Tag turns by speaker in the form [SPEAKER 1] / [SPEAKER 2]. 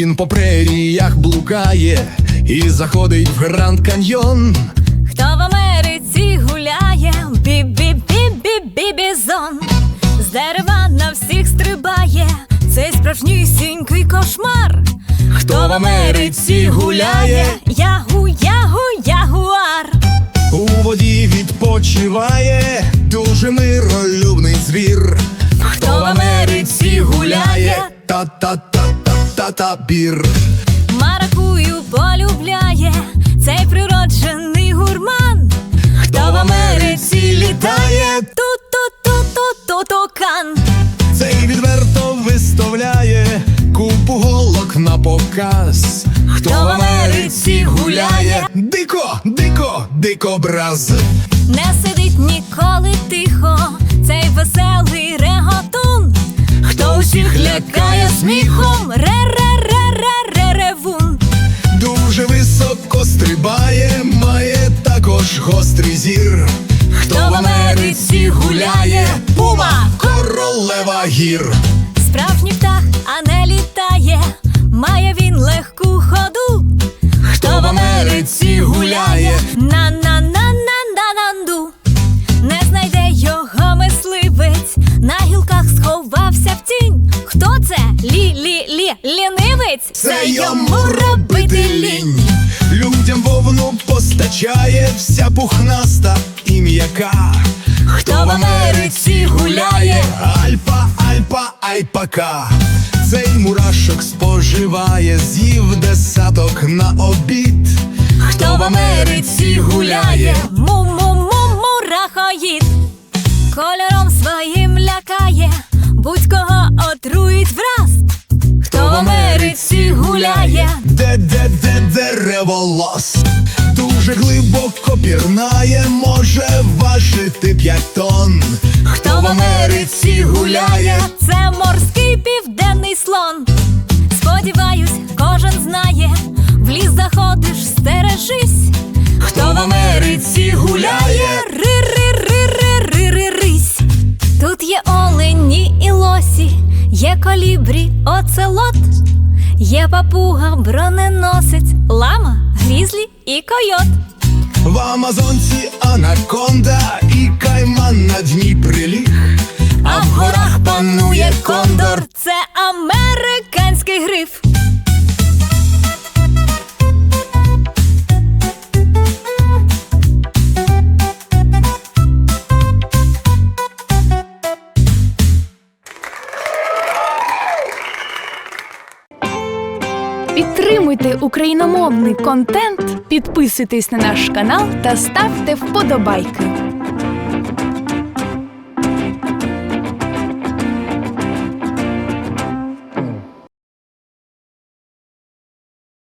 [SPEAKER 1] Він по преріях блукає і заходить в Гранд Каньйон.
[SPEAKER 2] Хто в Америці гуляє, бі-бі-бі-бі-бі-бізон. З дерева на всіх стрибає, цей справжнісінький кошмар. Хто в Америці гуляє, ягу-ягу-ягуар.
[SPEAKER 1] У воді відпочиває дуже миролюбний звір.
[SPEAKER 2] Хто в Америці гуляє,
[SPEAKER 1] та-та-та-та-та-та-бір.
[SPEAKER 2] маракую полюбляє, цей природжений гурман. Хто в Америці літає, ту-ту-ту-ту-ту-тукан.
[SPEAKER 1] Цей відверто виставляє купу голок на показ.
[SPEAKER 2] Хто в Америці гуляє,
[SPEAKER 1] дико, дико, дикобраз.
[SPEAKER 2] не сидить ніколи тихо, цей веселий реготун. Хто усіх лякає сміхом, ре-ре-ре-ре-ре-ревун.
[SPEAKER 1] Дуже високо стрибає, має також гострий зір.
[SPEAKER 2] Хто в Америці гуляє, пума,
[SPEAKER 1] королева гір.
[SPEAKER 2] справжній птах, а не літає, має він легку ходу. Хто в Америці гуляє, на-на-на-на-на-нанду. Не знайде його мисливець, на гілках сховався в тінь. Хто це? Лінивець?
[SPEAKER 1] Це йому робити лінь. Людям вовну постачає, вся пухнаста і м'яка.
[SPEAKER 2] Хто в Америці гуляє,
[SPEAKER 1] Альпа, альпа, альпака. Цей мурашок споживає, з'їв десяток на обід.
[SPEAKER 2] хто в Америці гуляє, му-му-му-мурахоїд. Кольором своїм лякає, будь-кого отруїть враз. Хто в Америці гуляє,
[SPEAKER 1] Де дереволос. Дуже глибоко пірнає, може важити 5 тонн.
[SPEAKER 2] хто в Америці гуляє, це морський південний слон. Сподіваюсь, кожен знає, в ліс заходиш, стережись. Хто в Америці гуляє, ри-ри-ри-ри-ри-ри-рись. Тут є олені і лосі, є колібрі, оцелот. Є папуга, броненосець, лама, грізлі і койот.
[SPEAKER 1] В Амазонці анаконда і кайман на дні приліг.
[SPEAKER 2] А в горах панує кондор, це американський гриф.
[SPEAKER 3] Підтримуйте україномовний контент, підписуйтесь на наш канал та ставте вподобайки.